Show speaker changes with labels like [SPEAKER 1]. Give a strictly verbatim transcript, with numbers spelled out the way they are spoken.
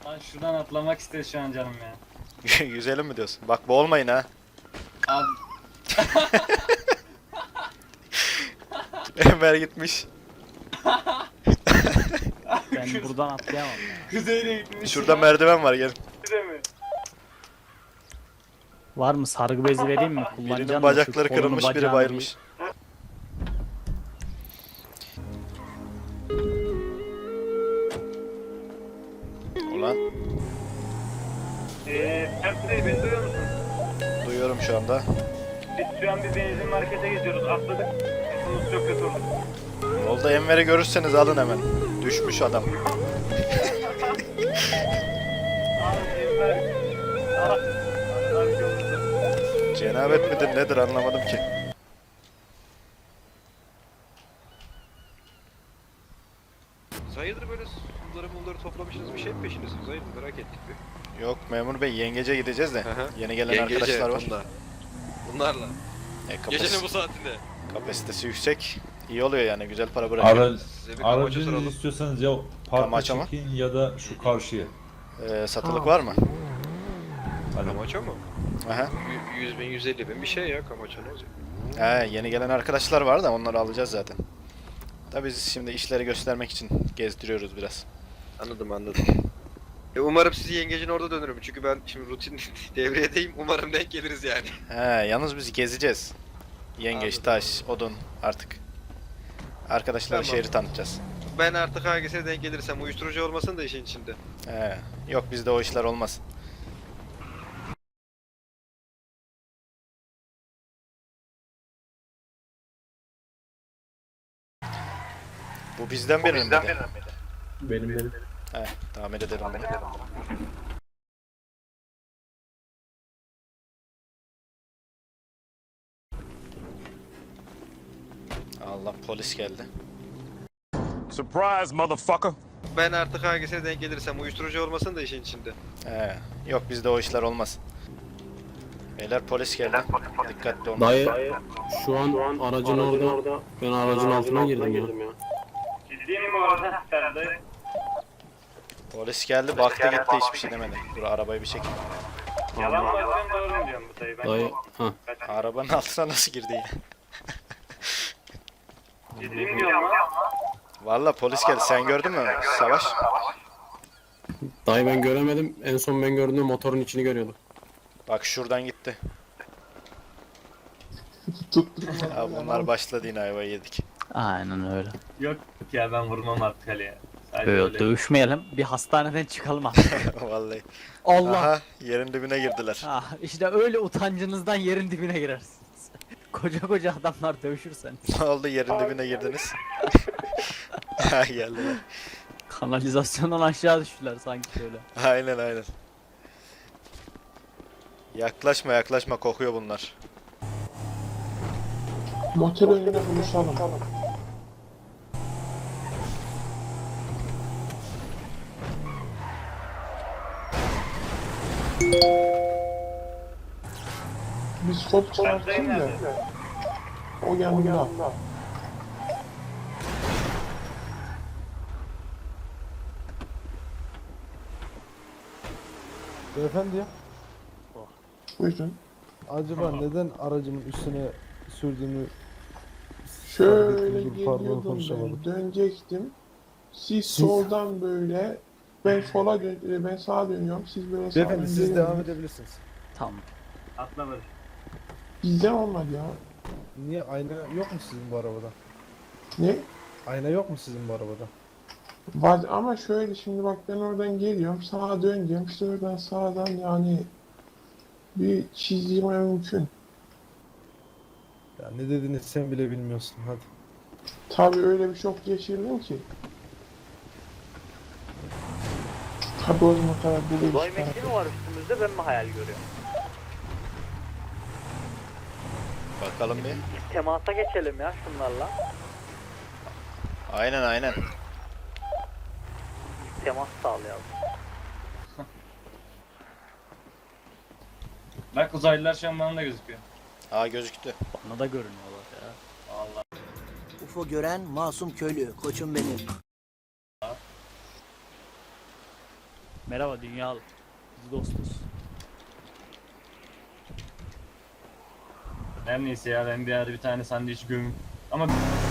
[SPEAKER 1] Lan şuradan atlamak ister şu an canım ya.
[SPEAKER 2] Yüzelim mi diyorsun? Bak boğulmayın ha.
[SPEAKER 1] Abi
[SPEAKER 2] Enver gitmiş.
[SPEAKER 3] Ben buradan atlayamam ya.
[SPEAKER 1] kuzeyine gitmiş.
[SPEAKER 2] Şurada merdiven var, gelin.
[SPEAKER 1] Bize mi?
[SPEAKER 3] Var mı sargı bezi vereyim mi? Kullanacağım
[SPEAKER 2] Birinin
[SPEAKER 3] da şu
[SPEAKER 2] bacakları
[SPEAKER 3] kolunu,
[SPEAKER 2] kırılmış, biri
[SPEAKER 3] bacağını
[SPEAKER 2] bayılmış. Ulan
[SPEAKER 1] Eee Mert Bey beni duyuyor musun?
[SPEAKER 2] duyuyorum şu anda.
[SPEAKER 1] Biz şu an bir benzin markete gidiyoruz. Atladık. Sesimiz çok kötü oldu.
[SPEAKER 2] Yolda Enver'i görürseniz alın hemen. Düşmüş adam.
[SPEAKER 1] Abi Enver. Ah. Arkamızda.
[SPEAKER 2] Cenabet midir nedir anlamadım ki.
[SPEAKER 4] Hayırdır böyle bunları bunları toplamışsınız, bir şey mi peşindesiniz? Hayırdır, merak ettik bir.
[SPEAKER 2] Yok memur bey, yengece gideceğiz de.
[SPEAKER 4] Hı hı.
[SPEAKER 2] Yeni gelen
[SPEAKER 4] Yengece,
[SPEAKER 2] arkadaşlar var.
[SPEAKER 4] bunlar. Bunlarla.
[SPEAKER 2] E,
[SPEAKER 4] Gecenin
[SPEAKER 2] kapasite-
[SPEAKER 4] bu saatinde.
[SPEAKER 2] kapasitesi yüksek. İyi oluyor yani, güzel para bırakıyor.
[SPEAKER 5] Ara,
[SPEAKER 4] Size bir kamaça
[SPEAKER 5] aracınızı
[SPEAKER 4] soralım.
[SPEAKER 5] istiyorsanız ya parka
[SPEAKER 2] Kamaça mı?
[SPEAKER 5] çekin ya da şu karşıya.
[SPEAKER 2] Ee, satılık var mı?
[SPEAKER 5] Hani
[SPEAKER 4] Kamaça mı?
[SPEAKER 2] Aha.
[SPEAKER 4] Y- yüz bin, yüz elli bin bir şey ya kamaça, ne olacak?
[SPEAKER 2] He, yeni gelen arkadaşlar var da onları alacağız zaten. Tabii biz şimdi işleri göstermek için gezdiriyoruz biraz.
[SPEAKER 4] Anladım anladım. E umarım sizi yengecin orada dönürüm çünkü ben şimdi rutin devriyedeyim, umarım denk geliriz yani.
[SPEAKER 2] He, yalnız biz gezeceğiz. Yengeç,
[SPEAKER 4] Anladım,
[SPEAKER 2] taş, odun artık. Arkadaşlara
[SPEAKER 4] Tamam.
[SPEAKER 2] şehri tanıtacağız.
[SPEAKER 4] Ben artık hangisine denk gelirsem uyuşturucu olmasın da işin içinde.
[SPEAKER 2] He, yok bizde o işler olmaz. Bu bizden birinin miydi?
[SPEAKER 5] benim benim.
[SPEAKER 2] He, tamir ederim onu. Allah, polis geldi.
[SPEAKER 6] Surprise, motherfucker.
[SPEAKER 4] Ben artık hangisine denk gelirsem uyuşturucu olmasın da işin içinde.
[SPEAKER 2] He, yok bizde o işler olmaz. Beyler polis geldi. Dikkatli olun.
[SPEAKER 7] Dayı, şu an aracın orada, ben aracın altına girdim ya.
[SPEAKER 1] Ciddi mi bu arada? Sen de.
[SPEAKER 2] Polis geldi, baktı gitti, hiçbir şey demedi. Dur arabayı bir çekeyim.
[SPEAKER 1] Yalan mı atıyorsun, doğru mu diyorsun bu dayı? Ben
[SPEAKER 7] Dayı, ha.
[SPEAKER 2] Arabanın altına nasıl girdi ya?
[SPEAKER 1] Ciddi mi diyorsun lan?
[SPEAKER 2] Valla polis geldi, sen gördün mü Savaş?
[SPEAKER 7] Dayı ben göremedim, en son ben gördüğümde motorun içini görüyordum.
[SPEAKER 2] Bak şuradan gitti. Ya bunlar başladı, yine ayvayı yedik.
[SPEAKER 3] Aynen öyle.
[SPEAKER 1] Yok ya, ben vurmam artık Ali'ye. Sadece
[SPEAKER 3] Böyle
[SPEAKER 1] öyle.
[SPEAKER 3] dövüşmeyelim. Bir hastaneden çıkalım artık.
[SPEAKER 2] Vallahi.
[SPEAKER 3] Allah.
[SPEAKER 2] Aha, yerin dibine girdiler.
[SPEAKER 3] Ah, işte öyle utancınızdan yerin dibine girersiniz. Koca koca adamlar dövüşürsen.
[SPEAKER 2] Ne oldu, yerin dibine girdiniz? Ha, geldiler.
[SPEAKER 3] Kanalizasyondan aşağı düştüler sanki şöyle.
[SPEAKER 2] Aynen aynen. Yaklaşma yaklaşma, kokuyor bunlar.
[SPEAKER 8] Motel önüne buluşalım. Biz kod çıkarttın da o yanında.
[SPEAKER 9] Beyefendi ya,
[SPEAKER 8] Buyurun.
[SPEAKER 9] acaba neden aracımın üstüne sürdüğümü
[SPEAKER 8] Şöyle
[SPEAKER 9] Dur, pardon,
[SPEAKER 8] geliyordum
[SPEAKER 9] konuşamadım.
[SPEAKER 8] ben, dönecektim. Siz soldan böyle, ben sola dön, e, ben sağa dönüyorum. Siz böyle sağdan
[SPEAKER 9] Beyefendi siz
[SPEAKER 8] gelin.
[SPEAKER 9] devam edebilirsiniz.
[SPEAKER 3] Tamam.
[SPEAKER 1] Atla böyle.
[SPEAKER 8] Bizde olmadı ya.
[SPEAKER 9] Niye, ayna yok mu sizin bu arabada?
[SPEAKER 8] Ne?
[SPEAKER 9] Ayna yok mu sizin bu arabada?
[SPEAKER 8] Var ama şöyle, şimdi bak ben oradan geliyorum, sağa döneceğim. İşte oradan sağdan yani bir çizgim mümkün.
[SPEAKER 9] Ya ne dediğini sen bile bilmiyorsun, hadi.
[SPEAKER 8] Tabii öyle bir şok geçirdim ki. Tabii o zaman kadar buluyoruz.
[SPEAKER 3] Uzay mekiği mi var üstümüzde, ben mi hayal görüyorum?
[SPEAKER 2] Bakalım bir.
[SPEAKER 3] Biz temasa geçelim ya şunlarla.
[SPEAKER 2] Aynen aynen.
[SPEAKER 3] Temas sağlayalım.
[SPEAKER 1] Bak uzaylılar şu an bana da gözüküyor.
[SPEAKER 2] Aa, gözüktü.
[SPEAKER 3] Bana da görünüyorlar ya.
[SPEAKER 1] Allah.
[SPEAKER 10] U F O gören masum köylü, koçum benim.
[SPEAKER 3] Merhaba dünyalı. Biz dostuz.
[SPEAKER 1] Her neyse ya ben bir ara bir tane sandviç gömüm. Ama